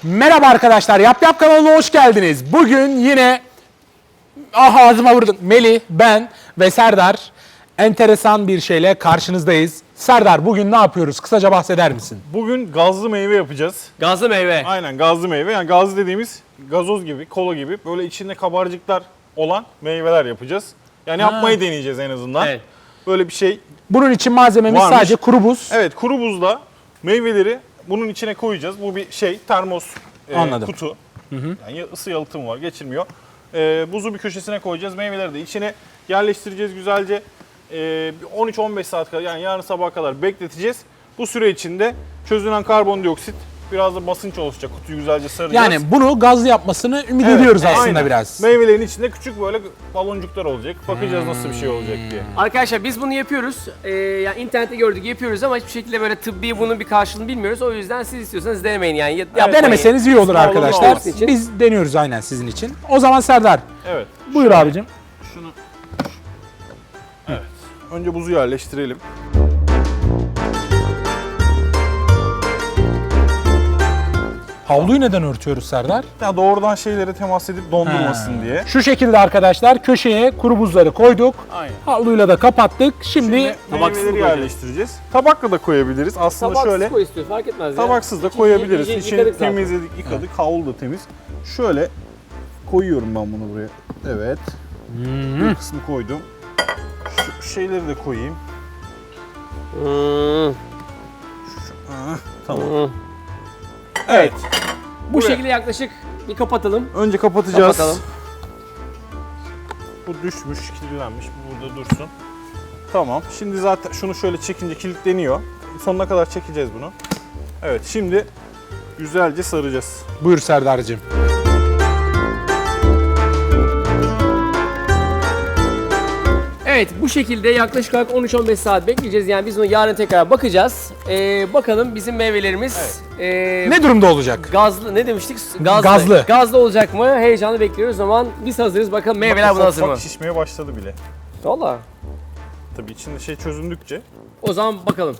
Merhaba arkadaşlar, Yap kanalına hoş geldiniz. Bugün yine ağzıma vurdun. Melih, ben ve Serdar enteresan bir şeyle karşınızdayız. Serdar, bugün ne yapıyoruz? Kısaca bahseder misin? Bugün gazlı meyve yapacağız. Gazlı meyve. Aynen gazlı meyve. Yani gazlı dediğimiz gazoz gibi, kola gibi böyle içinde kabarcıklar olan meyveler yapacağız. Yani yapmayı deneyeceğiz en azından. Evet. Böyle bir şey. Bunun için malzememiz Varmış. sadece kuru buz. Evet, kuru buzla meyveleri bunun içine koyacağız. Bu bir şey, termos Anladım. kutu. Yani ısı yalıtımı var, geçirmiyor. Buzu bir köşesine koyacağız. Meyveleri de içine yerleştireceğiz güzelce. 13-15 saat kadar, yani yarın sabaha kadar bekleteceğiz. Bu süre içinde çözünen karbondioksit, biraz da basınç oluşacak. Kutuyu güzelce saracağız. Yani bunu gazlı yapmasını ümit Evet, ediyoruz aslında aynen. biraz. Meyvelerin içinde küçük böyle baloncuklar olacak. Bakacağız nasıl bir şey olacak diye. Arkadaşlar biz bunu yapıyoruz. Yani internette gördük yapıyoruz ama hiçbir şekilde böyle tıbbi bunun bir karşılığını bilmiyoruz. O yüzden siz istiyorsanız denemeyin yani. Yapmayın. Denemeseniz iyi olur Sağ olun, arkadaşlar. olsun için. Biz deniyoruz aynen sizin için. O zaman Serdar, Evet. buyur abicim. Şunu. Evet. Önce buzu yerleştirelim. Havluyu neden örtüyoruz Serdar? Ya doğrudan şeylere temas edip dondurmasın diye. Şu şekilde arkadaşlar köşeye kuru buzları koyduk. Aynen. Havluyla da kapattık. Şimdi tabaksız meyveleri koyacağız. yerleştireceğiz. Tabakla da koyabiliriz. Aslında Tabaksız şöyle koy istiyor fark etmez ya. tabaksız da koyabiliriz. İyice İçini yıkadık zaten. temizledik, yıkadık. Havlu da temiz. Şöyle koyuyorum ben bunu buraya. Evet. Bir kısmı koydum. Şu şeyleri de koyayım. Tamam. Evet. Bu Buraya. şekilde yaklaşık bir kapatalım. Önce kapatacağız. Kapatalım. Bu düşmüş, kilitlenmiş. Bu burada dursun. Tamam. Şimdi zaten şunu şöyle çekince kilitleniyor. Sonuna kadar çekeceğiz bunu. Evet, şimdi güzelce saracağız. buyur Serdar'cığım. Evet bu şekilde yaklaşık olarak 13-15 saat bekleyeceğiz. Yani biz bunu yarın tekrar bakacağız. Bakalım bizim meyvelerimiz Ne durumda olacak? gazlı ne demiştik? Gazlı. Gazlı. Gazlı olacak mı? Heyecanlı bekliyoruz. O zaman biz hazırız. Bakalım meyveler buna Ufak hazır mı? ufak şişmeye başladı bile. Valla. Tabii içinde şey çözündükçe. O zaman bakalım.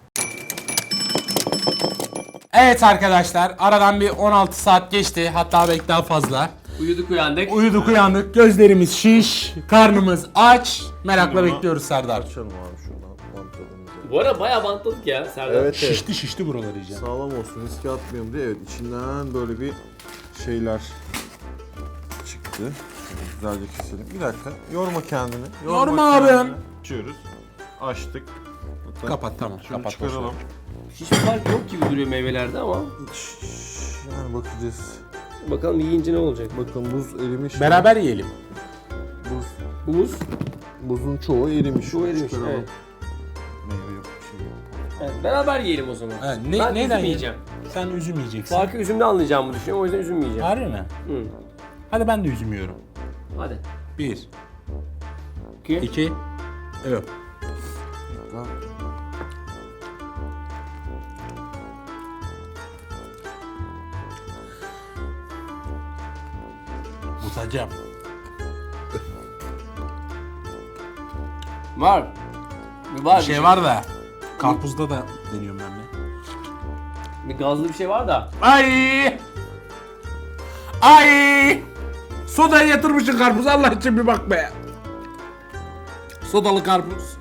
Evet arkadaşlar, aradan bir 16 saat geçti, hatta belki daha fazla. Uyuduk uyandık. Uyuduk uyandık, gözlerimiz şiş, karnımız aç. Merakla Şimdi bunu bekliyoruz Serdar. Açalım abi şuradan bantladığımızı. Bu arada bayağı bantladık ya Serdar. Evet, evet. Şişti buraları iyice. Sağlam olsun, riske atmayalım diye. Evet, içinden böyle bir şeyler çıktı. Şöyle güzelce keselim. Bir dakika, yorma kendini. Yorma abim. Açıyoruz. Açtık. Bakın. Kapat, tamam, Şunu kapat. çıkaralım. Hiçbir fark yok gibi duruyor meyvelerde ama. Yani bakacağız. Bakalım yiyince ne olacak? Bakın buz erimiş. Beraber yiyelim. Buz, Buz. buzun çoğu erimiş. Çoğu erimiş, Çıkaralım. evet. Meyve yok, bir şey yok. Evet, beraber yiyelim o zaman. Evet, Ben neyden üzüm yiyeceğim. Sen üzüm yiyeceksin. Farkı üzümde anlayacağımı düşünüyorum. O yüzden üzüm yiyeceğim. Harbi mi? Hı. Hadi ben de üzüm yiyorum. Hadi. 1, 2. 2, evet. Utacağım. Var. Var. Bir şey var da, karpuzda da deniyorum ben de. Bir gazlı bir şey var da. Ay! Ay! Sodaya yatırmışsın karpuz, Allah için bir bak be. Sodalı karpuz.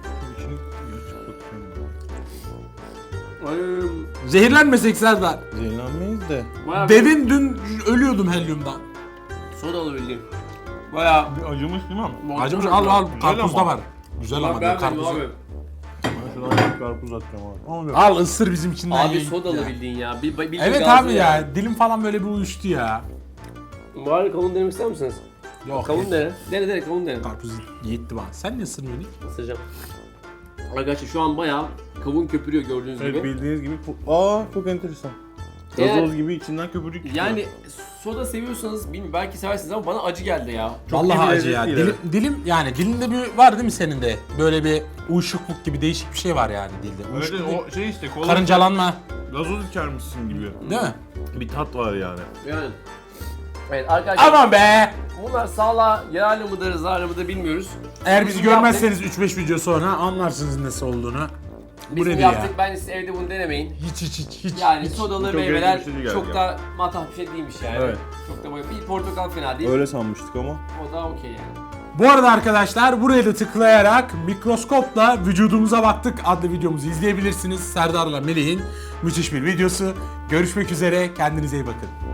Ay, Zehirlenmesek Serdar. Zehirlenmeyiz de. bayağı Devin dün ölüyordum helyumdan. sodalı bildiğin. Bayağı. Bir acımış değil mi? Acımış, al Güzel karpuzda ama. var. Güzel ama Ben diyor, beğenmedim karpuzu. abi. Ben şuradan bir karpuz atacağım abi. Ama yok. Al ısır bizim içinden Abi ye. sodalı Ya. bildiğin ya. Bildiğin Evet gazlı abi ya, dilim falan böyle bir uyuştu ya. Bari kavun denemek ister misiniz? Yok. Kavun dene. Dene kavun dene. Karpuz yetti bana. Sen ne ısırmıyorsun hiç? Isıracağım. Arkadaşlar şu an bayağı kavun köpürüyor gördüğünüz Evet, gibi. bildiğiniz gibi. Aa, çok enteresan. Eğer- Gazoz gibi içinden köpürük çıkıyor. Yani soda seviyorsanız bilmiyorum belki seversiniz ama bana acı geldi ya. Vallahi iyi bir acı ya. lezzet değil, Dilim yani dilinde bir var değil mi senin de? Böyle bir uyuşukluk gibi değişik bir şey var yani dilde. Uyuşukluk değil. o şey işte kola Karıncalanma, gazoz içermişsin gibi. değil mi? Bir tat var yani. Yani. Evet arkadaşlar Aman be! bunlar sağlığa yararlı mıdır zararlı mıdır bilmiyoruz. Eğer bizi Bizim görmezseniz 3-5 video sonra anlarsınız nasıl olduğunu. Biz Bu bunu nedir yaptık. ya? Bence siz evde bunu denemeyin. Hiç. Yani sodalı Çok meyveler ilginç bir şey geldi çok ya. da matah bir şey değilmiş yani. Evet. Çok da böyle bir portakal fena değil. Öyle sanmıştık ama. O da okey yani. Bu arada arkadaşlar buraya da tıklayarak mikroskopla vücudumuza baktık adlı videomuzu izleyebilirsiniz. Serdar'la Melih'in müthiş bir videosu. Görüşmek üzere. Kendinize iyi bakın.